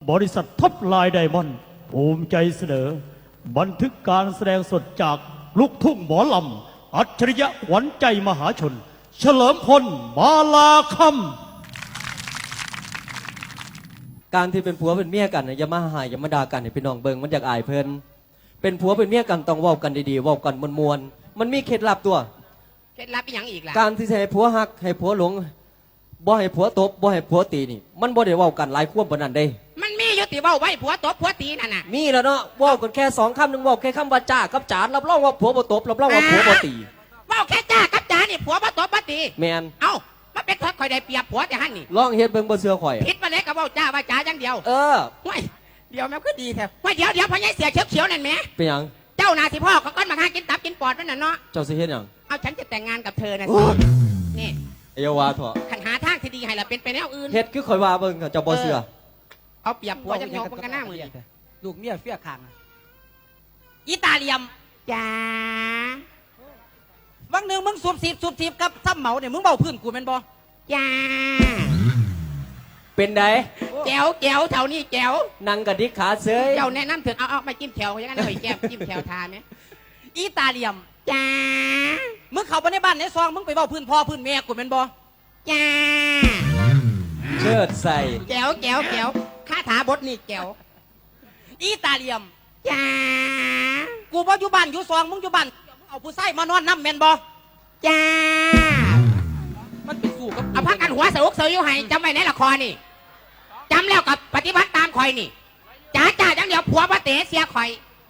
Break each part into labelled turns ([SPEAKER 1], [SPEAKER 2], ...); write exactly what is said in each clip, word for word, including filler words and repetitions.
[SPEAKER 1] บริษัทท็อปไลน์ไดมอนด์ภูมิใจเสนอบันทึกการแสดงสดจากลูกทุ่งหมอลำอัจฉริยะขวัญใจมหาชนเฉลิมพลมาลาค
[SPEAKER 2] ำการที่เป็นผัวเป็นเมียกันอย่ามาหายอย่ามาด่ากันให้พี่น้องเบิ่งมันอยากอายเพิ่นเป็นผัวเป็นเมียกันต้องเว้ากันดีๆเว้ากันมวลๆมันมีเคล็ดลับตัว
[SPEAKER 3] เคล็ดลับอีหยังอีกล่ะ
[SPEAKER 2] การที่จะให้ผัวฮักให้ผัวหลงบ่ให้ผัวตบบ่ให้ผัวตีนี่มันบ่ได้เว้ากันหลายความปานนั้นเด้
[SPEAKER 3] มันมีอยู่ติเว้าไว้ผัวตบผัวตีนั่นน่ะ
[SPEAKER 2] มีแล้วเนาะเว้ากันแค่สองคำนึงเว้าแค่คำว่าจ้ากับจานรับรองว่าผัวบ่ตบรับรองว่าผัวบ่ตี
[SPEAKER 3] เว้าแค่จ้ากับจานนี่ผัวบ่ตบบ่ตี
[SPEAKER 2] แม่น
[SPEAKER 3] เอ้ามันเป็นทอดข่อยได้เปรียบผัวแต่หั่นนี่
[SPEAKER 2] ลองเฮ็ดเบิ่งบ่เชื่อข่อย
[SPEAKER 3] ผิดมาไหนก็เว้าจ้าว่าจ้าอย่างเดียว
[SPEAKER 2] เออ
[SPEAKER 3] ห้วยเดี๋ยวแม่ก็ดีแท้ห้วยเดี๋ยวเดี๋ยวพ่อใหญ่เสียเขียวๆนั่นแหม
[SPEAKER 2] เป็นหยัง
[SPEAKER 3] เจ้านาสิพ่อเขาก้อนมาหากินตับกินปอดนั่นน่ะเนาะ
[SPEAKER 2] เจ้าสิเฮ็ดหยัง
[SPEAKER 3] เอาฉันจะแต่งงานกับเธอนะสินี่
[SPEAKER 2] เอวาเถอะ
[SPEAKER 3] ขันหาทางที่ดีให้ล่ะเป็นไปแนวอื่น
[SPEAKER 2] เฮ็ดคือข่อยว่าเบิ่งเจ้าบ่เชื่อ
[SPEAKER 3] เอาเปรียบผัวจังยกกันหน้ามือ
[SPEAKER 4] ลูกเมียเฟี้ยคาง
[SPEAKER 3] อีตาเลียมจ้า
[SPEAKER 4] วันหนึ่งมึงสูบสีบสูบสีบกับซ้ำเหมาเนี่ยมึงเบาพื้นกูเป็นบ่
[SPEAKER 3] จ้า
[SPEAKER 2] เป็นได
[SPEAKER 3] แจ๋วแจ๋วเท่านี้แจ๋ว
[SPEAKER 2] นั่งกระดิกขาเสย
[SPEAKER 3] เจ้าแนะนำถึงเอาเอาไปจิ้มแถวอย่างนั้นเลยแก้มจิ้มแถวทาไหม
[SPEAKER 4] อีตาเลียม
[SPEAKER 3] จ้า
[SPEAKER 4] มึงเข้าไปในบ้านในซองมึงไปเบาพื้นพ่อพื้นแม่กูเป็นบ่
[SPEAKER 3] จ้า
[SPEAKER 2] เชิดใส่
[SPEAKER 3] แจ๋วแจ๋วแจ๋วคาถาบทนี่แจ๋ว
[SPEAKER 4] อีตาเลียม
[SPEAKER 3] จ้า
[SPEAKER 4] กูบ่อยู่บ้านอยู่ซองมึงอยู่บ้านมึงเอาผู้ชายมานอนน้ำแม่นบ่
[SPEAKER 3] จ้า
[SPEAKER 4] มันเป็นสู้กับ
[SPEAKER 3] เอาพักกันหัวเสือกเสืออยู่ให้จำไว้ในละครนี่จำแล้วกับปฏิบัติตามคอยนี่จ้าจ้าจังเดียวผัวพระเต๋เสียคอย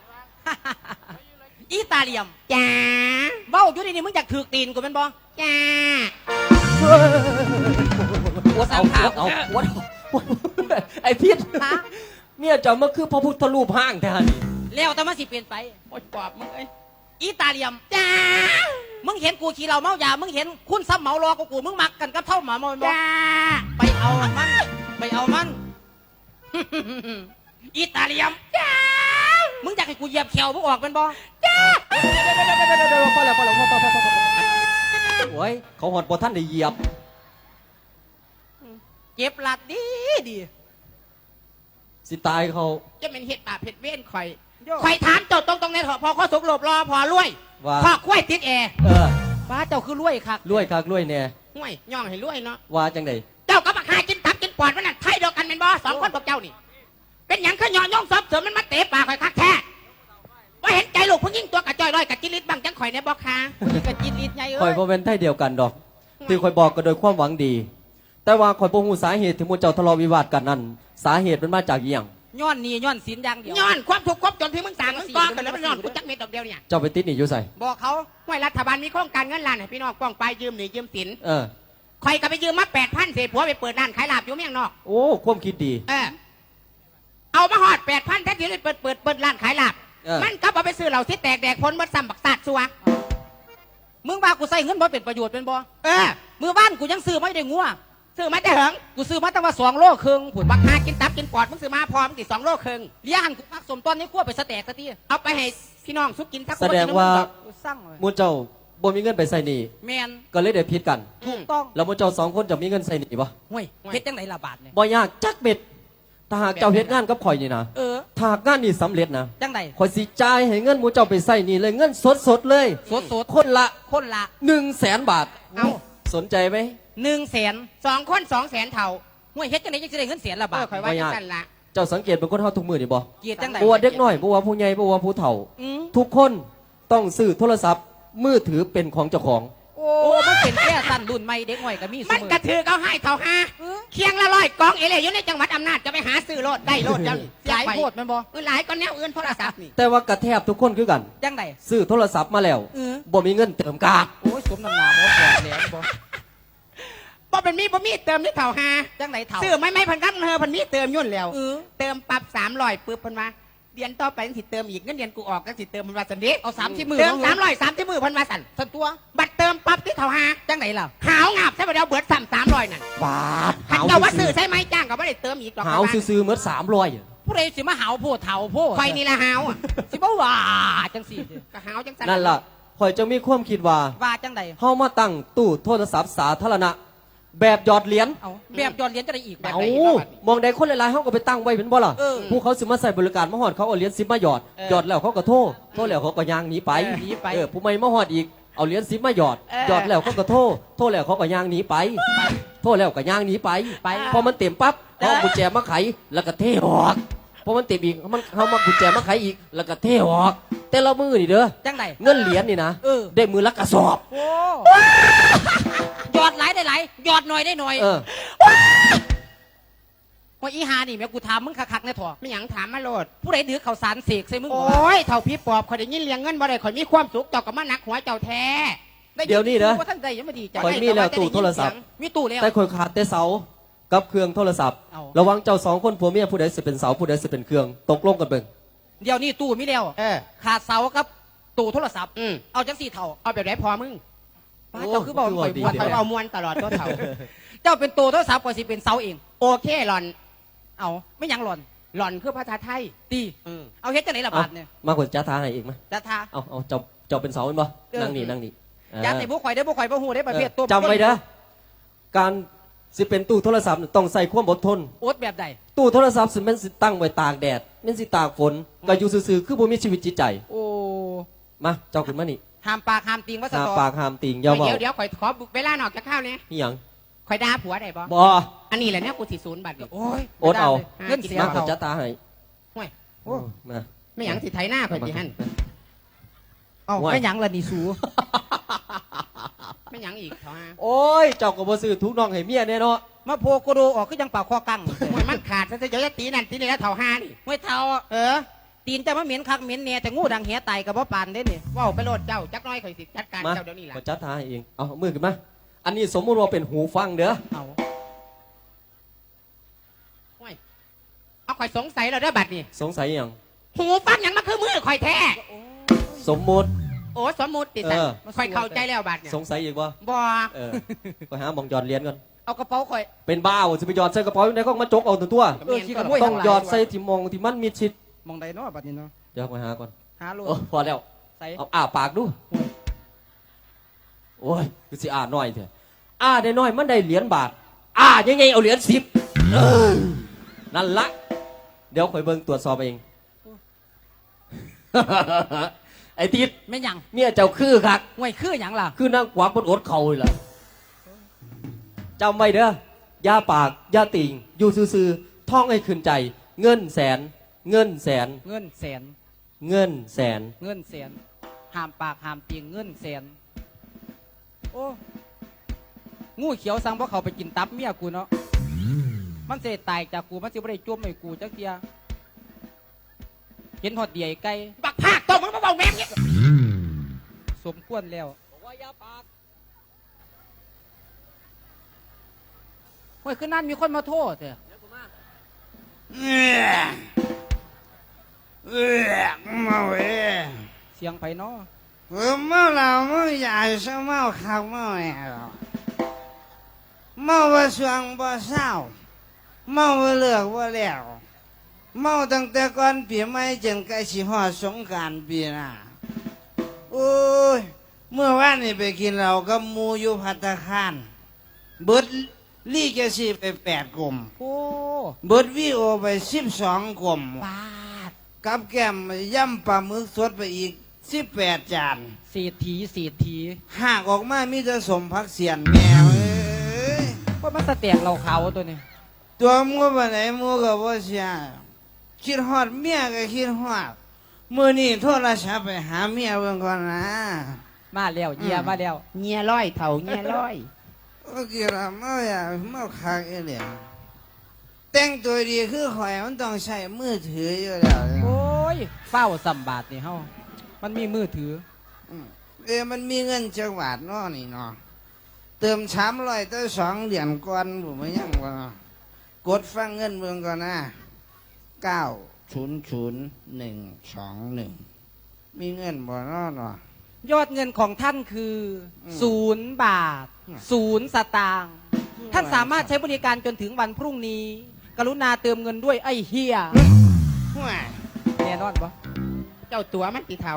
[SPEAKER 4] อีตาเลียม
[SPEAKER 3] จ้า
[SPEAKER 4] เบ้าอยู่นี่มึงอยากถือตีนกูเป็นบ่
[SPEAKER 3] จ้า
[SPEAKER 4] หัวสามขา
[SPEAKER 2] เอาหัวไอ้พิษเมียเจ้ามันคือพระพุทธรูปห้างแท้นี่
[SPEAKER 4] แล้วแต่มันสิเปลี่ยนไป
[SPEAKER 3] โอ๊ยปอบมึงไอ้
[SPEAKER 4] อีตาเลียม
[SPEAKER 3] จ้า
[SPEAKER 4] มึงเห็นกูขี่เราเมายามึงเห็นคุณซ้ำเหมารอกูกูมึงมักกันกับเท่าหมาเมาบ่
[SPEAKER 3] จ้า
[SPEAKER 4] ไปเอามันไปเอามันอีตาเลียม
[SPEAKER 3] จ้า
[SPEAKER 4] มึงอยากให้กูเหยียบแขวมึงออกเป็นบ่
[SPEAKER 3] จ้า
[SPEAKER 2] พอแล้วพอแล้วพอพอพอพอโอ้ยเขาหดบ่ท่านได้เหยียบ
[SPEAKER 4] เจ็บหลัดดีดี
[SPEAKER 2] สิตายเขา
[SPEAKER 3] จะเป็นเห็ดบาปเห็ดเว้นข่อยข่อยถามเจ้าตรงตรงในเถอะพอข้อสุกหลบรอพอรวยพอคุ้ยติดแอร์
[SPEAKER 2] เออ
[SPEAKER 4] ป้าเจ้าคือรวยคัก
[SPEAKER 2] รวยคักรวยเนี่ย
[SPEAKER 3] ห่วยย่องให้รวยเนาะ
[SPEAKER 2] ว่าจังได
[SPEAKER 3] เจ้ากับบักหากินตับกินปอดมันนั่นไทยเดียวกันเป็นบ่สองคนพวกเจ้านี่เป็นอย่างขย่อย่องซอบเสริมมันมาเตะปากข่อยคักแท้ว่าเห็นใจลูกผู้หญิงตัวกระจอยร้อยกับจิลิตบังจังข่อยในบ่ค้า
[SPEAKER 4] กับจิลิตใหญ่เอ้ย
[SPEAKER 2] ข่อยบ่เป็นไทยเดียวกันดอกที่ข่อยบอกก็โดยความหวังดีแต่ว่าข่อยบ่ฮู้สาเหตุที่หมู่เจ้าทะเลาะวิวาทกันนั่นสาเหตุมันมาจากอีหยัง
[SPEAKER 4] ย้อนนี่ย้อนศีลอย่างเดียว
[SPEAKER 3] ย้อนความทุกข์ความจนที่มึงสั่งมึงก่อกันแล้วมันย้อนกูจักเม็ดดอกเดียวเนี่ย
[SPEAKER 2] เจ้าไปติดหนี้อยู่ไส
[SPEAKER 3] บอกเขาว่ารัฐบาลมีโครงการเงินล้านให้พี่น้องป้องไปยืมหนี้ยืมสิน
[SPEAKER 2] เออ
[SPEAKER 3] ข่อยก็ไปยืมมาแปดพันเศษผัวไปเปิดร้านขายลาบอยู่เมียงนอก
[SPEAKER 2] โอ้ความคิดดี
[SPEAKER 3] เออเอามาหอดแปดพันแท้ที่เลยเปิดเปิดเปิดร้านขายลาบมันก็เอาไปซื้อเหล่าที่แตกแดกพ้นมดซ้ำบักซาดซัว
[SPEAKER 4] มึงว่ากูใส่เงินบ่เป็นประโยชน์เป็นบ่
[SPEAKER 3] เออ
[SPEAKER 4] มือบ้านกูยังซื้อไม่ได้งัว
[SPEAKER 3] ซื้อมาแต่เหิง
[SPEAKER 4] กูซื้อมาตั้งว่าสองโลครึ่ง
[SPEAKER 3] ผุดบักหากินตับกินปอดมึงซื้อมาพอมึงติดสองโลครึ่ง
[SPEAKER 4] เลี้ยหันกูพักสมต้นนี้ขั้วไปสแต็กสักที
[SPEAKER 3] เอาไปให้พี่น้องสุกกินทัก
[SPEAKER 2] แสดงว่ามูเจ้าบ่มีเงินไปใส่หนี้
[SPEAKER 4] แมน
[SPEAKER 2] ก็เลยได้ผิดกัน
[SPEAKER 4] ถูกต้อง
[SPEAKER 2] แล้วมูเจ้าสองคนจะมีเงินใส่หนี้บ่
[SPEAKER 4] ห่วยเฮ็ดจังไหนละบาทเนี่ย
[SPEAKER 2] บ่ยากจักเบ็ดถ้าหากเจ้าเฮ็ดงานกับข่อยนี่นะ
[SPEAKER 4] เออ
[SPEAKER 2] ถ้างานนี้สำเร็จนะ
[SPEAKER 4] จังไหน
[SPEAKER 2] ข่อยสิจ่ายให้เงินมูเจ้าไปใส่หนี้เลยเงินสดๆเลย
[SPEAKER 4] สด
[SPEAKER 2] ๆคนละ
[SPEAKER 4] คนละ
[SPEAKER 2] หนึ่งแสนบาท
[SPEAKER 3] เอา
[SPEAKER 2] สนใจไหม
[SPEAKER 4] หนึ่งแสน
[SPEAKER 3] สองคนสองแสนเท่า
[SPEAKER 4] ห่วยเฮ็ดจังไหนยังจะได้เงินแสนละบาท
[SPEAKER 3] ข่อยว่าจังซั่นละ
[SPEAKER 2] เจ้าสังเกตเป็นคนเฮาทุกมื้อนี่บ่
[SPEAKER 4] เกียรติจังไหน
[SPEAKER 2] บ่ว่าเด็กน้อยบ่ว่าผู้ใหญ่บ่ว่าผู้เฒ่าทุกคนต้องซื้อโทรศัพท์มือถือเป็นของเจ้าของ
[SPEAKER 4] โอ้มันเป็นแค่สั้นรุ่นใหม่เด็กน้อยก็มี
[SPEAKER 3] มันกระถือเขาให้เขาหาเคียงละร้อยกองเอเล่อยู่ในจังหวัดอำนาจจะไปหาซื้อโลดได้โลดจัง
[SPEAKER 4] หลายโพดมันบ่
[SPEAKER 3] หลายก็แนวอื่นโทรศัพท์นี่
[SPEAKER 2] แต่ว่ากระแทบทุกคนคือกัน
[SPEAKER 4] จังไหน
[SPEAKER 2] ซื้อโทรศัพท์มาแล้วบ่มีเงินเติมกาก
[SPEAKER 4] โอ้ยสมน้ำหนาบ่พอแล้วบ่
[SPEAKER 3] บ่เป็นมีบ่มีเติมนี่เท่าหา
[SPEAKER 4] จังไหนเท่า
[SPEAKER 3] ซื้อไม่ไม่พันกันเธอพันมีเติมยุ่นแล้วเติมปรับสามร้อยปึ๊บพันมาเดือนต่อไปสิเติมอีกเงินเดือนกูออกก็สิเติมพันมาสันดิ
[SPEAKER 4] เอาสามที่มือ
[SPEAKER 3] เติมสามร้อยสามที่มือพันมาสัน
[SPEAKER 4] สันตัว
[SPEAKER 3] บัตรเติมปั๊บที่เท่าหา
[SPEAKER 4] จังไหนล่ะ
[SPEAKER 3] หาวงับใช่ไหมเดี๋ยวเบิดสามสามร้อยนั่น
[SPEAKER 2] บาท
[SPEAKER 3] หาวว่าซื้อใช่ไหมจ้างก็ไม่ได้เติมอีกหรอก
[SPEAKER 2] หาวซื้อเมื่อสามร้อย
[SPEAKER 4] ผู้ใดสิมาหาวโพดเท่าโพด
[SPEAKER 3] คอยนี่ละหาว
[SPEAKER 4] สิบ่ว่าจังสิ
[SPEAKER 3] ก็หาวจังสัน
[SPEAKER 2] นั่นล่ะคอยจะมีความคิดว่า
[SPEAKER 4] ว่าจังใด
[SPEAKER 2] เฮามาตั้งตู้โทรศัพท์สาธารณะแบบหยอดเหรียญ
[SPEAKER 4] เอาแบบยอดเหรียญจะได้อีก
[SPEAKER 3] แบบ
[SPEAKER 2] เอา
[SPEAKER 3] ไหนอีกบ้าง
[SPEAKER 2] มองใดคนหลายๆเขาก็ไปตั้งไว้เป็นบ่ล่ะ
[SPEAKER 4] เออ
[SPEAKER 2] ผู้เขาสิมาใส่บริการมาหอดเขาเอาเหรียญสิบมาหยอด
[SPEAKER 4] เออ
[SPEAKER 2] หยอดแล้วเขาก็โทษโทษแล้วเขาก็ย่างหนีไป
[SPEAKER 4] เออหนีไป
[SPEAKER 2] เออผู้ใหม่มาหอดอีกเอาเหรียญสิบมาหยอด
[SPEAKER 4] เออ
[SPEAKER 2] หยอดแล้วเขาก็โทษโทษแล้วเขาก็ย่างหนีไปโทษแล้วก็ย่างหนีไป
[SPEAKER 4] ไป
[SPEAKER 2] พอมันเต็มปั๊บ
[SPEAKER 4] เออ
[SPEAKER 2] เขาเอากุญแจมาไขแล้วก็เทออกพอมันเต็มอีกมันเขามากุญแจมาไขอีกแล้วก็เทออก แต่ละมือนี่เด้อ
[SPEAKER 4] จังได
[SPEAKER 2] เงินเหรียญนี่นะ
[SPEAKER 4] เออ
[SPEAKER 2] ได้มือละกระสอบ
[SPEAKER 4] โอ้ยอดหลายได้หลายยอดหน่อยได้หน่อย
[SPEAKER 2] เออ
[SPEAKER 4] ว่าอีหานี่แม่กูถามมึงคักๆแน่ถอ
[SPEAKER 3] ไม่หยังถามมาโลด
[SPEAKER 4] ผู้ใดถือข้าวสารเสกใส่มึง
[SPEAKER 3] โอ
[SPEAKER 4] บ่วะ
[SPEAKER 3] ้ยเท่าพี่ปอบข่อยได้ยินเลี้ยงเงินบ่ได้ข่อยมีความสุขเจ้าก็มาหนักหัวเจ้าแท้
[SPEAKER 2] เดี๋ยวนี้นะ
[SPEAKER 4] ว่าท่านใดยังไม่ดีใจ
[SPEAKER 2] ข่อยมีแล้วตู้โทรศัพท์
[SPEAKER 4] มีตู้แล้ว
[SPEAKER 2] แต่คนขาดแต่เสากับเครื่องโทรศัพท์
[SPEAKER 4] เอา
[SPEAKER 2] ระวังเจ้าสองคนผัวเมียผู้ใดสิเป็นเสาผู้ใดสิเป็นเครื่องตกลงกันเบิ่ง
[SPEAKER 4] เดี๋ยวนี้ตู้มีแล้ว
[SPEAKER 3] เออ
[SPEAKER 4] ขาดเสากับตู้โทรศัพท์
[SPEAKER 3] อืม
[SPEAKER 4] เอาจังสี่เท่า
[SPEAKER 3] เอาแบบไหนพอมึง
[SPEAKER 4] ป้าเจ้าคือบอกข่อย
[SPEAKER 2] ดี
[SPEAKER 4] บวช
[SPEAKER 2] ดี
[SPEAKER 3] ข่อยเอามวนตลอดตัวเท่า
[SPEAKER 4] เจ้าเป็นตู้โทรศัพท์ก่อนสิเป็นเสาเอง
[SPEAKER 3] โอเคหลอน
[SPEAKER 4] เอาไม่ยังหล่อน
[SPEAKER 3] หลอนคือภาษาไทย
[SPEAKER 4] ตี
[SPEAKER 3] อืม
[SPEAKER 4] เอาเฮ็ดจังไหนล่ะ
[SPEAKER 2] เอา
[SPEAKER 4] บาทเนี่ย
[SPEAKER 2] มากกว่าจ้าทาให้อีกไหม
[SPEAKER 4] จะทา
[SPEAKER 2] เอาเอาเจ้าเจ้าเป็นเสาเป็นบ่
[SPEAKER 4] เออ
[SPEAKER 2] นั่งนี่นั่งนี่
[SPEAKER 4] ยาใส่บุข่อยได้บุข่อยบ่หูได้ประเภทตัว
[SPEAKER 2] จำไว้เด้อการสิเป็นตู้โทรศัพท์ต้องใส่ความอดทน
[SPEAKER 4] โอดแบบใด
[SPEAKER 2] ตู้โทรศัพท์สิแมันสิตั้งไว้ตากแดดแมันสิตากฝนก็อยู่ซื่อๆคือบ่มีชีวิตจิตใจ
[SPEAKER 4] โอ้
[SPEAKER 2] มาเจ้าขึ้นมานี่
[SPEAKER 4] ห้ามปากห้ามติงว่าส
[SPEAKER 2] หา
[SPEAKER 4] ตอ
[SPEAKER 2] ปากหามติงอย่าเว้า
[SPEAKER 3] เดี๋ยวเดี๋ยวข่อยขอเวลาหนอกจากข้าวเนี่ย
[SPEAKER 2] อีหยัง
[SPEAKER 3] ข่อยด่าผัวได้บ่
[SPEAKER 2] บ่
[SPEAKER 3] อันนี้แหละเนี่ยกูสิศูนย์บัตรนี่
[SPEAKER 4] โอ้ย
[SPEAKER 2] โอดเอา
[SPEAKER 4] เงินเสีย
[SPEAKER 2] มาขอ
[SPEAKER 4] เขา
[SPEAKER 2] จ้าตาให้
[SPEAKER 3] ห่วย
[SPEAKER 4] โอ้
[SPEAKER 2] มา
[SPEAKER 3] ไม่หยังสิไถหน้าข่อยสิหั่น
[SPEAKER 4] เอา
[SPEAKER 2] โอ้ย
[SPEAKER 4] ไม่หยังละนี่สู
[SPEAKER 3] ไม่หยังอีกเท่าฮะ
[SPEAKER 2] โอ้ยเจ้าก็บ่ซื้อทุกน้องให้เมียแน่เนาะ
[SPEAKER 4] มาโพโกโดออกก็ยังปากคอกัง
[SPEAKER 3] ห่วยมันขาดซะเดี๋ยวจะตีนั่นตีนี่แล้วเท่าห้านี่
[SPEAKER 4] ไม่เท่า
[SPEAKER 3] เออ
[SPEAKER 4] ตีนจะมาเหม็นคักเหม็นเนี่ยแต่งูดังเหียไตกับว่าปานได้นี่
[SPEAKER 3] เว้าไปโลดเจ้าจักหน้อยข่อยสิจัดการ
[SPEAKER 2] มา
[SPEAKER 3] เจ้าเดี๋ยวนี้ล่ะ
[SPEAKER 2] ขอจ้าตาให้เองเอามือขึ้นมาอันนี้สมมุติว่าเป็นหูฟังเด้อ
[SPEAKER 4] เอา
[SPEAKER 3] ห่วยเอาข่อยสงสัยแล้วเด้อบัตรนี่
[SPEAKER 2] สงสัยอหย่าง
[SPEAKER 3] หูฟังหยังมันคือมือข่อยแท้
[SPEAKER 2] สมมุติ
[SPEAKER 3] โอ้สมมุติติสัน
[SPEAKER 2] เออ
[SPEAKER 3] ข่อยเข้าใจแล้วบัตรเนี่ย
[SPEAKER 2] สงสัยอีกว่า
[SPEAKER 3] บ่
[SPEAKER 2] เออไปหาหมองหยอดเหรียญก่อน
[SPEAKER 4] เอากระเป๋าข่อย
[SPEAKER 2] เป็นบ้าวจะไปหยอดใส่กระเป๋าอยู่ไหนก็มาจกเอาตัวตัว
[SPEAKER 4] เออขี้ขโมย
[SPEAKER 2] ต้องหยอดใส่ที่มองที่มันมีชิด
[SPEAKER 4] มองใดเนาะบัดนี้เนาะ
[SPEAKER 2] เดี๋ยวไปหาก่อน
[SPEAKER 4] หาโลด
[SPEAKER 2] โอ้พอแล้ว
[SPEAKER 4] ใส่
[SPEAKER 2] เอาอ้าปากดูโอ้ยคือสิอ่าน้อยเถอะอ่าได้น้อยมันได้เหรียญบาทอ่ายังไงเอาเหรียญสิบเออนั่นละเดี๋ยวคอยเบิ่งตรวจสอบเอง ไอ้ทิศ
[SPEAKER 4] ไม่หยัง
[SPEAKER 2] เมียเจ้าคือคัก
[SPEAKER 4] ห่วยคือหยังล่ะ
[SPEAKER 2] คือนั่งขวางบนอดเข่าเลยล่ะจำไว้เด้อย่าปากอย่าติ่งอยู่ซื่อๆท่องให้ขึ้นใจ เงินแสน เงินแสน
[SPEAKER 4] เงินแสน
[SPEAKER 2] เงินแสน
[SPEAKER 4] เงินแสนห้ามปากห้ามติงเงินแสนโอ้งูเขียวสั่งเพราะเขาไปกินตับเมียกูเนาะมันเสตายจากกูมันสิบ่ได้จุ่มให้กูจักเทียเห็นหอดเดียไก่
[SPEAKER 3] บักภาคตัวมึงมาเบาแม่งเนี่ย
[SPEAKER 4] สมควรแล้ว
[SPEAKER 2] บอกว่าอย่าปาก
[SPEAKER 4] เฮ้ยคือนั่นมีคนมาโทษเถอะ
[SPEAKER 3] เออเออมาเว้ย
[SPEAKER 4] เสียงไผเนาะ
[SPEAKER 3] เออเมาเหล้าเมาใหญ่ซะเมาคักเมาแหวเมาบ่สวงบ่เศร้าเมาบ่เลิกบ่แล้วเมาตั้งแต่ก่อนปีใหม่จนใกล้สิฮอดสงกรานต์ปีหน้าโอ้ยเมื่อวานนี่ไปกินเหล้ากับหมู่อยู่ภัตตาคารเบิดลี่แกสิไปแปดกลม
[SPEAKER 4] โอ้
[SPEAKER 3] เบิดวีโอไปสิบสองกลม
[SPEAKER 4] ปาด
[SPEAKER 3] กับแก้มย่ำปลาหมึกสดไปอีกสิบแปดจาน
[SPEAKER 4] เศรษฐีเศรษฐี
[SPEAKER 3] หากออกมามีแต่สมพักเสียนแมวเอ้ย
[SPEAKER 4] ว่ามันสแตกเราเขาตัวนี้
[SPEAKER 3] ตัวมัวไปไหนมัวกับว่าเสียคิดฮอดเมียก็คิดฮอดมือนี่โทรศัพท์ไปหาเมียเบิ่งก่อนนะ
[SPEAKER 4] มาแล้วเยียมาแล้ว
[SPEAKER 3] เงียร้อยเถ่าเงียร้อย
[SPEAKER 5] โอเคละเมาอย่าเมาคักเอเหลี่ยมแต่งตัวดีคือข่อยมันต้องใช้มือถืออยู่แล้ว
[SPEAKER 4] โอ้ยเฝ้าสัมบาทนี่เฮามันมีมือถือ
[SPEAKER 5] อืมเออมันมีเงินจังหวัดเนาะนี่เนาะเติมสามร้อยตั้งสองเหรียญก่อนผมไม่ยังวะเนาะกดฟังเงินเมืองก่อนนะเก้าศูนย์ศูนย์หนึ่งสองหนึ่งมีเงินบ่เนาะเนาะ
[SPEAKER 4] ยอดเงินของท่านคืออ
[SPEAKER 5] ม
[SPEAKER 4] ศูนย์บาท ศูนย์สตางค์ท่านสามารถใช้บริการจนถึงวันพรุ่งนี้ กรุณาเติมเงินด้วยไอ้เฮีย
[SPEAKER 5] ห่วย
[SPEAKER 4] แน่นอนปะ
[SPEAKER 3] เจ้าตัวมันติเท่า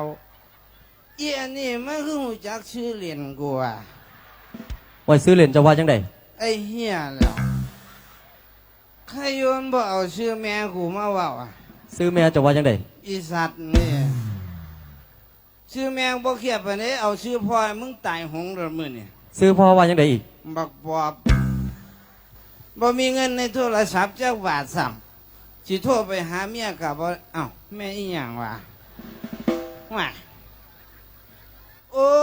[SPEAKER 5] อีอันนี้มันคือหูจักชื่อเหรียญกูอ่ะ
[SPEAKER 2] ไว้ซื้อเหรียญจะว่าจังได
[SPEAKER 5] ไอ้เหี้ยแล้วใครโยนบ่เอาชื่อแม่กูมาเว่าอ่ะ
[SPEAKER 2] ซื้อแม่จะว่าจังได
[SPEAKER 5] อีสัตว์นี่ชื่อแม่งบ่เขียบไปนี้เอาชื่อพ่อมึงตายหงเดือมือนี่
[SPEAKER 2] ซื้อพ่อว่าจังไดอีก
[SPEAKER 5] บักบอบบ่มีเงินในโทรศัพท์จักบาทซ้ำสิโทรไปหาเมียกับบ่เอ้าแม่อีหยังวะว่าโอ้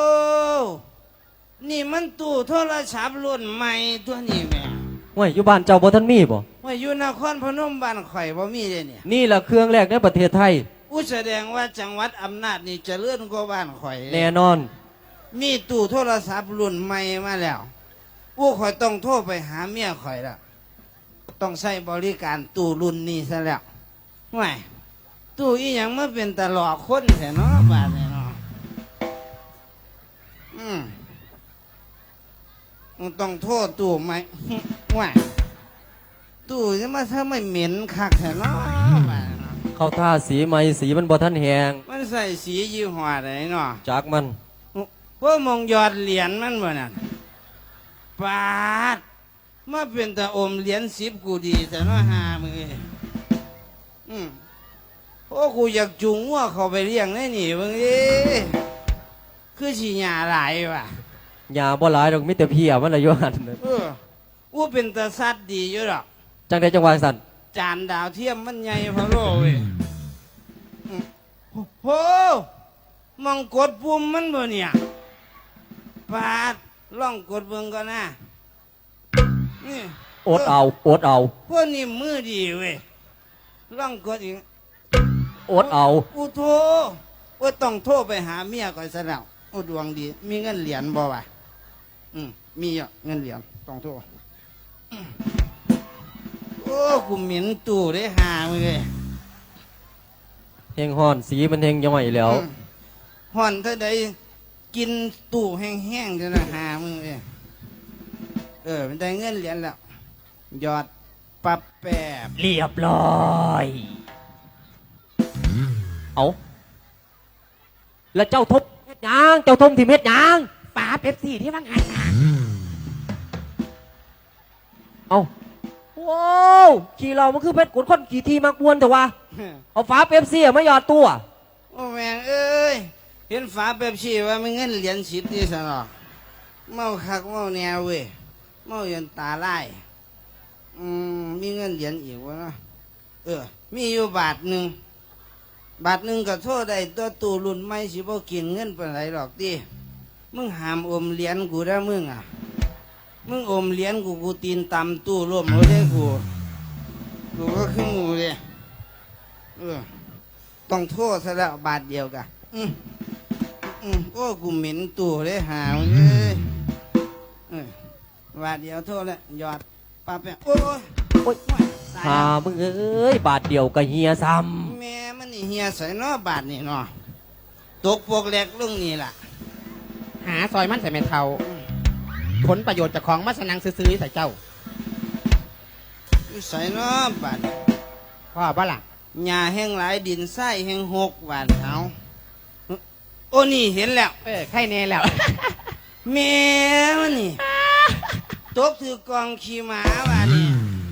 [SPEAKER 5] นี่มันตู้โทรศัพท์รุ่นใหม่ตัวนี้แม่
[SPEAKER 2] ห้วยอยู่บ้านเจ้าบ่ทันมีบ่
[SPEAKER 5] ว่าอยู่นครพนมบ้านข่อยบ่มีเลยเนี่ย
[SPEAKER 2] นี่ล่ะเครื่องแรกในประเทศไทย
[SPEAKER 5] อู้แสดงว่าจังหวัดอำนาจนี่เจริญกว่าบ้านข่อย
[SPEAKER 2] แน่นอน
[SPEAKER 5] มีตู้โทรศัพท์รุ่นใหม่มาแล้วอู้ข่อยต้องโทรไปหาเมียข่อยแล้วต้องใช้บริการตู้รุ่นนี้ซะแล้วไม่ตู้อีหยังมาเป็นตลอดคนแท้เนาะบาดนี่เนาะอืมมึงต้องโทษตู้ไหม ว่าตู้จะมาถ้าไม่เหม็นคักแท้เนาะบาดนี่เนาะ
[SPEAKER 2] เข้าท่าสีใหม่สีมันบ่ทันแหง
[SPEAKER 5] มันใส่สียี่ห้อไหนเนาะ
[SPEAKER 2] จากมัน
[SPEAKER 5] พวกมองยอดเหรียญมันบ่น่ะปาดมาเป็นตาอมเหรียญสิบกูดีแต่น้อหามืออืมโอ้กูอยากจุงว่าเขาไปเลี้ยงได้หนิมึงเอ้คือฉีหยาหลายว่ะ
[SPEAKER 2] ยาบ่หลายดอกมีแต่เพียมันละอยู่หั่น
[SPEAKER 5] เอออู้เป็นตาสัตว์ดีอยู่หรอก
[SPEAKER 2] จังไดจังหวะสั่น
[SPEAKER 5] จานดาวเทียมมันใหญ่พะโลเว้ยอืมโหมองกดปุ่มมันบ่เนี่ยปาดล่องกดเบิ่งก่อนนะนี่
[SPEAKER 2] อดเอาอดเอา
[SPEAKER 5] พวกนี้มือดีเว้ยล่องกดอีก
[SPEAKER 2] อดเอา
[SPEAKER 5] อุโทว่าต้องโทรไปหาเมียก่อนซะแล้วโอ้ดวงดี มีเงินเหรียญบ่วะอืมมีอ่ะเงินเหรียญต้องโทรอืมโอ้กูเหม็นตู้ได้หามึงเลย
[SPEAKER 2] เฮงฮ้อนสีมันเฮงย่อยแล้ว
[SPEAKER 5] อืมห่อนเท่าใดกินตู้แห้งๆจะนะหามึงเลยเออมันได้เงินเหรียญแล้วยอดปับแปบ
[SPEAKER 1] เรียบร้อย
[SPEAKER 2] เอาแล้วเจ้าทบเฮ็ดหยังเจ้าทมที่เฮ็ดหยัง
[SPEAKER 4] ปาเป๊ปซี่ที่ว่าไงนะ
[SPEAKER 2] เอาว้าวขี่เรามันคือเพชรกุดคนขี่ทีมากวนแต่ว่า เอาฝาเป๊ปซี่มาหยอดตัว
[SPEAKER 5] โอ้แม่งเอ้ยเห็นฝาเป๊ปซี่ว่ามันเงินเหรียญสิบนี่สนอเมาคักเมาแนวเว้ยเมาจนตาลายอืมมีเงินเหรียญอีกวะเนาะเออ มีอยู่บาทหนึ่งบาทหนึ่งก็โทษได้ตัวตู้รุ่นไม่สิบ่กินเงินเป็นไรหรอกดิมึงหามอมเหรียญกูได้มึงอ่ะมึงอมเหรียญกูกูตีนตำตู้ร่วมรถได้กูกูก็ขึ้นงูเลยเออ ต้องโทษซะแล้วบาทเดียวกันอืมอืมโอ้กูเหม็นตัวเลยหาวเลยเออบาทเดียวโทษแล้วหยอดปาไปโอ้ย
[SPEAKER 2] โอ๊ย
[SPEAKER 5] ตาย
[SPEAKER 2] หา
[SPEAKER 5] แล้ว
[SPEAKER 2] มึงเอ้ยบาทเดียวก็เฮียซ้
[SPEAKER 5] แม่มันนี่เฮียใส่เนอบาทนี่เนาะตกพวกแหลกลงนี่ล่ะ
[SPEAKER 4] หาซอยมันใส่แม่เทาผลประโยชน์จากของมาสนังซื้อๆใส่เจ้า
[SPEAKER 5] อยู่ใส่เนอบาท
[SPEAKER 4] พ่อบ้าล่ะ
[SPEAKER 5] หญ้าแห้งหลายดินทรายแห้งหกบาทเอาโอ้นี่เห็นแล้ว
[SPEAKER 4] เออไข่แน่แล้ว
[SPEAKER 5] แม่มันนี่ตกถือกองขี่หมาบาทนี่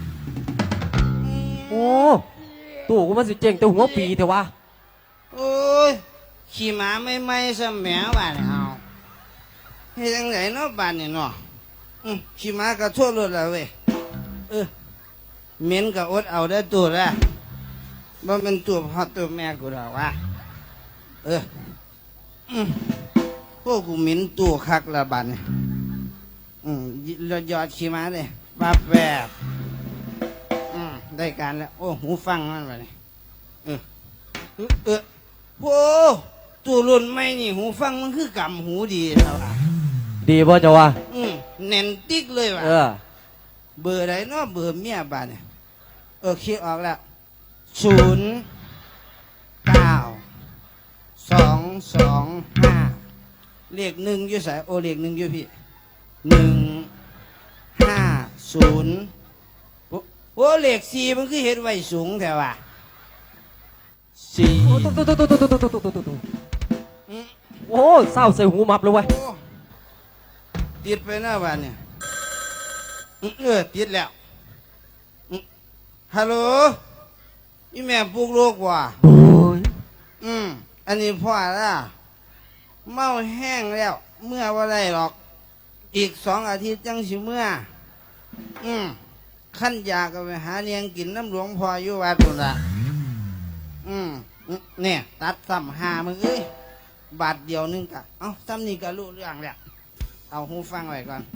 [SPEAKER 2] ำโอ้ตู้กูมันสิเจ๋งแต่หัวปีแต่ว่า
[SPEAKER 5] โอ้ยขี่หมาไม่ไม่ๆซะแหมบาดนี่เอาเฮ็ดจังไดเนาะบาดนี่เนาะอืมขี่หมากระโทษรถแล้วเว้ยเออเหม็นก็อดเอาได้ตัวละบ่เป็นตัวพ่อตัวแม่กูดอกว่าเอออืมพวกกูเหม็นตัวคักละบาดนี่อืมยอดยอดขี่หมาเลยปาแบบอืมได้การแล้วโอ้หูฟังมันบาดนี่เออ เออเออโว้ตัวรุ่นไม่นี่หูฟังมันคือกำหูดีแล้วอ่ะ
[SPEAKER 2] ดีป่ะเจ้าว่า
[SPEAKER 5] อืมเน้นติ๊กเลยว่ะ
[SPEAKER 2] เออ
[SPEAKER 5] เบอร์ไหนเนาะเบอร์เมียบ้านเนี่ยเออคิดออกแล้วศูนย์เก้าสองสองห้าเลขหนึ่งอยู่ใส่โอเลขหนึ่งอยู่พี่หนึ่งห้าศูนย์โอ้โอ้เลขสี่มันคือเห็ดไว้สูงแต่ว่าสี่
[SPEAKER 2] โอ้ตุ๊ตุ๊ตุ๊ตุ๊ตุ๊ตุ๊ตุ๊ตุ๊ตุ๊ตุ๊
[SPEAKER 5] อืม
[SPEAKER 2] โอ้เศร้าใส่หูมับเลยเว้ย
[SPEAKER 5] โอ้ติดไปหน้าบ้านเนี่ยเออติดแล้วอืมฮัลโหลอีแม่ปลุกลูกว่ะอืมอันนี้พ่อละเมาแห้งแล้ว เมื่อว่าไรหรอก อีกสองอาทิตย์จังสิเมื่อ อืมขั้นยาก็ไปหาเนียงกินน้ำหลวงพ่ออยู่วัดนู่นละอืมเนี่ย ตัดซ้ำหามึงเอ้ยบาทเดียวนึงกะเอ้าซ้ำนี่ก็รู้เรื่องแล้วเอาหูฟังไว้ก่อน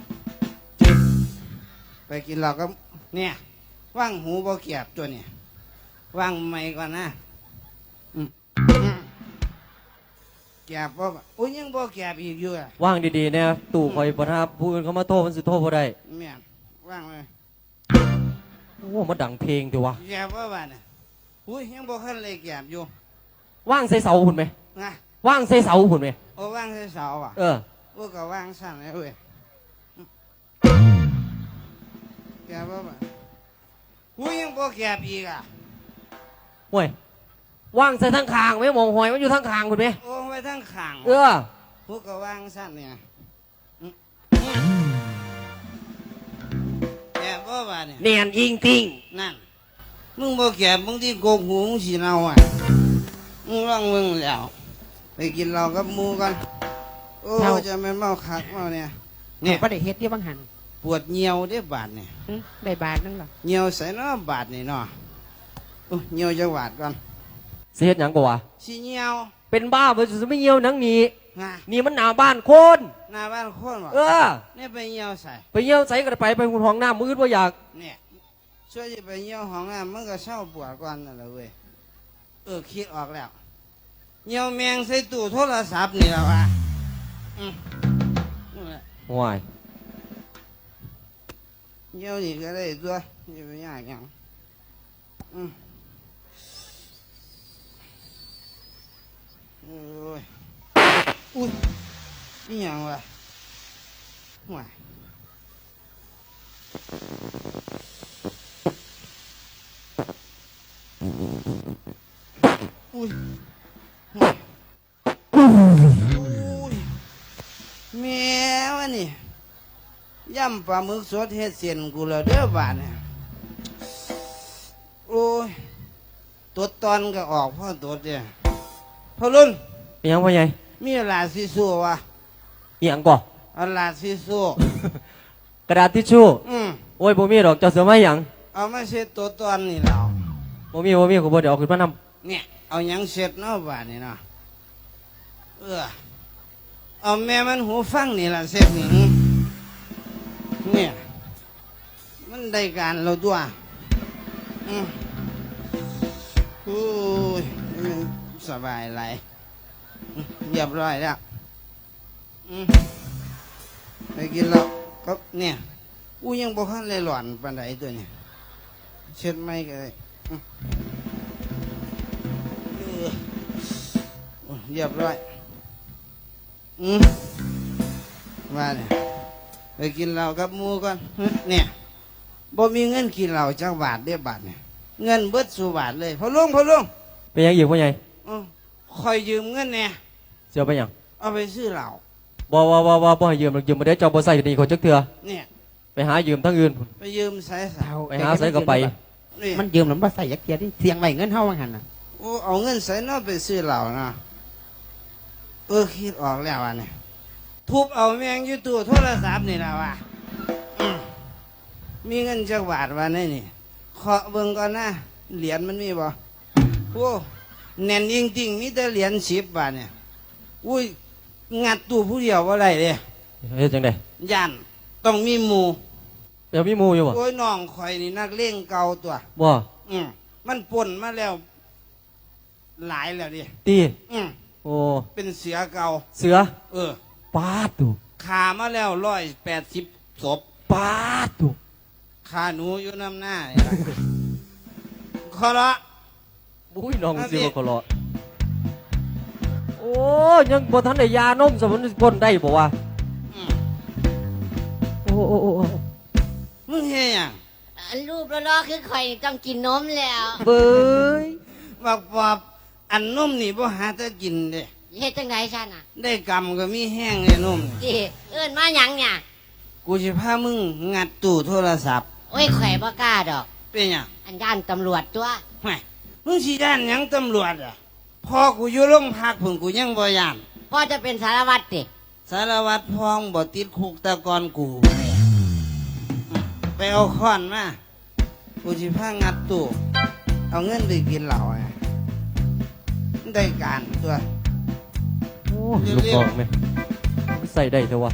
[SPEAKER 5] ไปกินเราก็ เนี่ยว่างหูบ่เกียบตัวเนี่ยว่างไม่ก่อนนะอืมอืมเกียบบ่โอ้ยยังบ่เกียบอีกอยู่อ่ะ
[SPEAKER 2] ว่างดีๆเนี่ยตู่คอยบ่ทับผู้อื่นเขามาโทษมันสิโทษบ่ได้
[SPEAKER 5] แม่นว่างเลย
[SPEAKER 2] โอ้มาดังเพลงติวะ
[SPEAKER 5] เกียบว่าบ้านน่ะอุ้ยยังบ่คันเลยเกียบอยู่
[SPEAKER 2] ว่างใส่เสาหุ่นไหม
[SPEAKER 5] นะ
[SPEAKER 2] ว่างใส่เสาหุ่นไหม
[SPEAKER 5] โอ้ว่างใส่เสาอ่ะ
[SPEAKER 2] เออ
[SPEAKER 5] โอ้ก็ว่างสั่นเลยเว้ยเกียบว่าบ้านอุ้ยยังบ่เกียบอีกอ่ะ
[SPEAKER 2] ห่วยว่างใส่ทั้งคางไหมมองหอยมันอยู่ทั้งคางหุ่นไหม
[SPEAKER 5] โอ้ไว้ทั้งข้าง
[SPEAKER 2] เออ
[SPEAKER 5] พวกก็ว่างสั่นเนี่ยอืมแก่บ่บ้าเนี่ย
[SPEAKER 2] เนียนอิงติง
[SPEAKER 5] นั่น มึงบ่แก่มึงที่โกงหูมึงสีเนาอ่ะ มึงร้องมึงแล้ว ไปกินเหล้ากับหมูกัน โอ้จะไม่เมาคักเมาเนี่ย
[SPEAKER 4] เนี่
[SPEAKER 5] เนี่ย ย
[SPEAKER 4] บ่ได้เฮ็ดที่บางหัน
[SPEAKER 5] ปวดเหี่ยวได้บาดเนี่ย
[SPEAKER 4] หึได้บาทนึงเหรอ
[SPEAKER 5] เหี่ยวใส่เนาะบาดนี่เนาะโอ้เหี่ยวจะบาดก่อน
[SPEAKER 2] เสียดหยังบ่วะ
[SPEAKER 5] สีเหี่ยว
[SPEAKER 2] เป็นบ้าไปจะไม่เยี่ยวหนังหนี
[SPEAKER 5] งา
[SPEAKER 2] นี่มันหนาบ้านคน
[SPEAKER 5] หน้าบ้านโคนบ่
[SPEAKER 2] เออ
[SPEAKER 5] เนี่ยไปเหี่ยวใส่
[SPEAKER 2] ไปเยี่ยวใส่กระไปไปหุ่นห้องน้ำมืดว่าอยาก
[SPEAKER 5] เนี่ยช่วยจะไปเหี่ยวห้องน้ำมันก็เศร้าปวดก่อนนั่นแหละเว้ยเออคิดออกแล้วเหี่ยวแมงใส่ตู้โทรศัพท์นี่แล้วอ่ะอืมนั่นแหละ
[SPEAKER 2] ห่วย
[SPEAKER 5] เหี่ยวนี่ก็ได้ตัวอย่าไปยากหยังอืมโอ้ยอุ้ยนี่ยังวะห่วยอุ้ยห่วยอุ้ยแม่วะนี่ย่ำปลาหมึกสดเฮ็ดเสียนกูแล้วเด้อบาดเนี่ยโอ้ยตัวตอนก็ออกพ่อตัวเนี่ยพ่อรุ่น
[SPEAKER 2] เอียงพ่อใหญ่
[SPEAKER 5] มีหลาซิสู้วะ
[SPEAKER 2] เอียงก่อ
[SPEAKER 5] เอาหลาซิสู้
[SPEAKER 2] กระดาษทิชชู่
[SPEAKER 5] อืม
[SPEAKER 2] โอ้ยบ่มีดอกเจ้าเสือไม้หยัง
[SPEAKER 5] เอามาเช็ดตัวตอนนี่เรา
[SPEAKER 2] บ่มีบ่มีกูบ่เดี๋ยวเอาขึ้นมานำ
[SPEAKER 5] เนี่ยเอาหยังเช็ดเนาะบาดนี่เนาะเออเอาแม่มันหูฟังนี่ล่ะเช็ดนี่เนี่ยมันได้การเราตัวอืมโอ้ยมันสบายไรอืมเรียบร้อยแล้วอืมไปกินแล้วก็เนี่ยกูยังบ่คันเลยหลอนปานใดตัวเนี่ยเช็ดไม่ก็ได้อืมเออโอ้ยเรียบร้อยอืมมาเนี่ยไปกินเหล้ากับหมูก่อนเนี่ยบ่มีเงินกินเหล้าจักบาทเดียวบาทเนี่ยเงินเบิดสู่บาทเลยพอลุงพอลุง
[SPEAKER 2] เป็นหยังอีกพ่อใหญ่
[SPEAKER 5] อ้าวคอยยืมเงินเนี่ย
[SPEAKER 2] เสียไปหยัง
[SPEAKER 5] เอาไปซื้อเหล้า
[SPEAKER 2] บ่บ่บ่บ่บ่ให้ยืมหรอกยืมบ่ได้เจ้าบ่ใส่ดีคนจักเทื่อ
[SPEAKER 5] เนี่ย
[SPEAKER 2] ไปหายืมทั้งอื่นพุ่น
[SPEAKER 5] ไปยืมสายสาว
[SPEAKER 2] ไปหาใส่ก็ไป
[SPEAKER 5] นี่
[SPEAKER 4] มันยืมหรือบ่ใส่ยักเทียดิเสียงไว้เงินเฮาบางหันน่ะ
[SPEAKER 5] โอ้เอาเงินใส่เนอไปซื้อเหล้านะเออคิดออกแล้วอ่ะเนี่ยทุบเอาแมงอยู่ตู้โทรศัพท์นี่แล้วว่ะอืมมีเงินจักบาทวะนี่นี่เคาะเบิ่งก่อนนะเหรียญมันมีบ่โอ้แน่นจริงๆมีแต่เหรียญสิบบาทเนี่ยอุ้ยงัดตู้ผู้เดียวว่าไรเลย
[SPEAKER 2] เฮ็ดจังได๋
[SPEAKER 5] ยันต้องมีหมู่
[SPEAKER 2] เดี๋ยวมีหมู่อยู่บ่
[SPEAKER 5] โอ้ยน้องข่อยนี่นักเลงเก่าตัว
[SPEAKER 2] บ่
[SPEAKER 5] อืมมันปนมาแล้ว หลายแล้วดิ
[SPEAKER 2] ตี
[SPEAKER 5] อืม
[SPEAKER 2] โอ้
[SPEAKER 5] เป็นเสือเก่า
[SPEAKER 2] เสือ
[SPEAKER 5] เออ
[SPEAKER 2] ปาดตุ
[SPEAKER 5] ขามาแล้วร้อยแปดสิบศพ
[SPEAKER 2] ปาดตุ
[SPEAKER 5] ขาหนูอยู่น้ำหน้านี่ล่ะ ขอละ
[SPEAKER 2] อุ้ยน้อง
[SPEAKER 5] เอาสิ
[SPEAKER 2] สิบ่ขอรอโอ้ยังบ่ทันได้ยานมสมุนพ่นได้บ่วะ
[SPEAKER 5] อืม
[SPEAKER 2] โอ้โอ้โอ้โอ้
[SPEAKER 5] มึงเฮียหยัง
[SPEAKER 6] อันรูปล้อๆคือข่อยต้องกินนมแล้ว
[SPEAKER 2] เบ้ย
[SPEAKER 5] บักปอบอันนุ่มนี่บ่หาจะกินเด้
[SPEAKER 6] เฮ็ดจังไดฉันอ่ะ
[SPEAKER 5] ได้กรรมก็มีแห้งเลยนุ่มนี่
[SPEAKER 6] จีเอิ้นมาหยังเนี่ย
[SPEAKER 5] กกูสิพามึงงัดตู้โทรศัพท์
[SPEAKER 6] โอ้ยข่อยบ่กล้าดอก
[SPEAKER 5] เป็นหยัง
[SPEAKER 6] อันย่านตำรวจตัว
[SPEAKER 5] ไม่มึงสิย่านหยังตำรวจอ่ะพอกูอยู่โรงพักผึ่งกูยังบ่ย่าน
[SPEAKER 6] พ่อจะเป็นสารวัตรติ
[SPEAKER 5] สารวัตรพองบ่ติดคุกแตะกอนกู ไปเอาค้อนมากูสิพางัดตู้เอาเงินไปกินเหล้าอ่ะได้การตัว
[SPEAKER 2] โอ้ลูกกองไหมใส่ได้เถอะวะ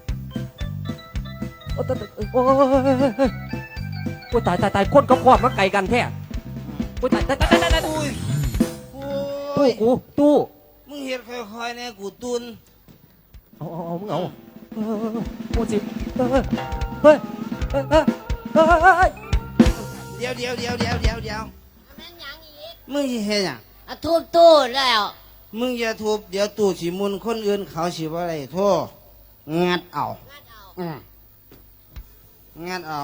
[SPEAKER 2] โอ้ตายโอ้ยโอ้ตายตายตายคนกับขอดมาไกลกันแท้โอ้ตายตายตายตายตาย
[SPEAKER 5] อุ้ยโอ้
[SPEAKER 2] ตู้
[SPEAKER 5] ย
[SPEAKER 2] กูตู้
[SPEAKER 5] มึงเฮ็ดค่อยๆเนี่ยกูตุน
[SPEAKER 2] เอาเอาเอามึงเอาเออโอ้สิเฮ้ยเฮ้ยเฮ้ยเฮ้ยเฮ้ยเฮ้ย
[SPEAKER 5] เดี๋ยวเดี๋ยวเดี๋ยวเดี๋ยวเดี๋ยวเดี๋ยว
[SPEAKER 6] แม่นหยังอีก
[SPEAKER 5] มึงสิเฮ็ดหยัง
[SPEAKER 6] อะทุบตู้แล้ว
[SPEAKER 5] มึงอย่าทุบเดี๋ยวตู้สิมุนคนอื่นเขาสิบ่ได้โทษงัดเอา
[SPEAKER 6] งัดเอา
[SPEAKER 5] อืมงัดเอา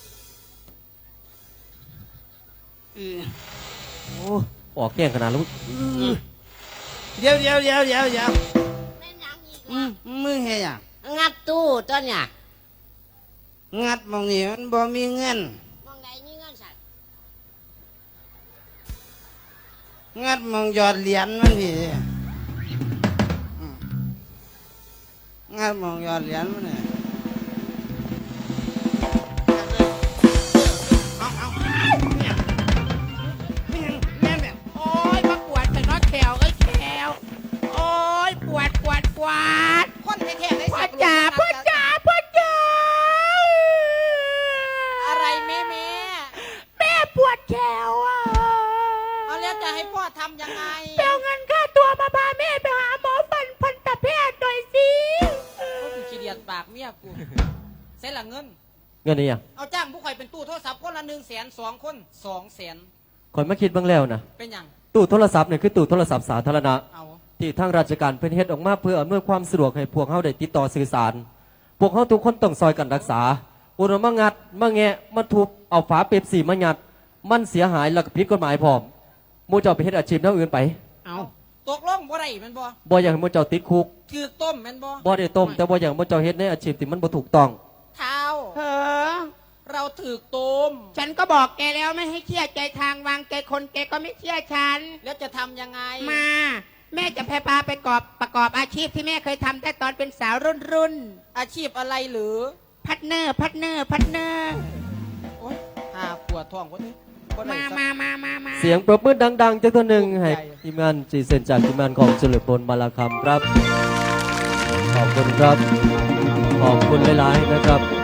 [SPEAKER 5] อือ
[SPEAKER 2] โอ้ออกแก้งขนาดแล้วมึง
[SPEAKER 5] เดี๋ยวเดี๋ยวเดี๋ยวเดี๋ยวเดี๋ยว
[SPEAKER 6] แม่นหยังอีก
[SPEAKER 5] อืมมึงเฮ็ดหยัง
[SPEAKER 6] งัดตู้ตัวเนี่ย
[SPEAKER 5] งัดหมองนี้มันบ่มีเงิน
[SPEAKER 6] มองไหนมีเงินสัตว์
[SPEAKER 5] งัดหมองหยอดเหรียญมันพี่อืมงัดหมองหยอดเหรียญมันเนี่ยเอาเอาเนี่ยเนี่ยแม่นแบบ
[SPEAKER 4] โอ้ยมาปวดแต่น้อยแขวก็แขวโอ้ยปวดปวดปวดคนแท้ๆได้พ่อจ๋าพ่อจ๋าพ่อจ๋าอะไรแม่แม่แม่ปวดแขวอ่ะเอาแล้วจะให้พ่อทำยังไงเปเอาเงินค่าตัวมาพาแม่ไปหาหมอฟันพันตแพทย์หน่อยสิกูขี้เดียดปากเมียกูเส้นละเงิน
[SPEAKER 2] เงินนี่ยัง
[SPEAKER 4] เอาจ้างผู้ข่อยเป็นตู้โทรศัพท์คนละหนึ่งแสนสองคนสองแสน
[SPEAKER 2] คอยมาคิดบ้างแล้วนะ
[SPEAKER 4] เป็นหยัง
[SPEAKER 2] ตู้โทรศัพท์เนี่ยคือตู้โทรศัพท์สาธารณะ
[SPEAKER 4] เอา
[SPEAKER 2] ที่ทางราชการเพิ่นเฮ็ดออกมาเพื่ออำนวยความสะดวกให้พวกเฮาได้ติดต่อสื่อสาร พวกเฮาทุกคนต้องซอยกันรักษาอุณมางัดมาแงะมาทุบเอาฝาเป๊ปซี่มายัดมันเสียหายแล้วก็ผิดกฎหมายพร้อมหมู่เจ้าไปเฮ็ดอาชีพแนวอื่นไป
[SPEAKER 4] เอาตกลงบ่ได้แมันบ่
[SPEAKER 2] บ่อยากให้หมู่เจ้าติดคุก
[SPEAKER 4] ถือต้มแมันบ่
[SPEAKER 2] บ่ได้ต้มแต่บ่อยากให้หมู่เจ้าเฮ็ดในอาชีพที่มันบ่ถูกต้อง
[SPEAKER 4] เท้า
[SPEAKER 7] เออ
[SPEAKER 4] เราถือต้ม
[SPEAKER 7] ฉันก็บอกแกแล้วไม่ให้เชื่อใจทางวางแกคนแกก็ไม่เชื่อฉัน
[SPEAKER 4] แล้วจะทำยังไง
[SPEAKER 7] มา แม่จะพาพาไปกอบประกอบอาชีพที่แม่เคยทำแต่ตอนเป็นสาวรุ่นรุ่น
[SPEAKER 4] อาชีพอะไรหรือ
[SPEAKER 7] ๆพัดเนอร์พัดเนอร์พัดเนอร์
[SPEAKER 4] โอ๊ยหาปวดท้องคนนี้บ่ได้
[SPEAKER 7] มา
[SPEAKER 4] สัก
[SPEAKER 7] มามามามา
[SPEAKER 2] เสียงปรบมือดังๆจากตัวหนึ่งให้
[SPEAKER 4] ใหญ่
[SPEAKER 2] ทีมงานจีเซนจากทีมงานของเฉลิมพลมาลาคำครับ ขอบคุณครับ ขอบคุณหลายๆนะครับ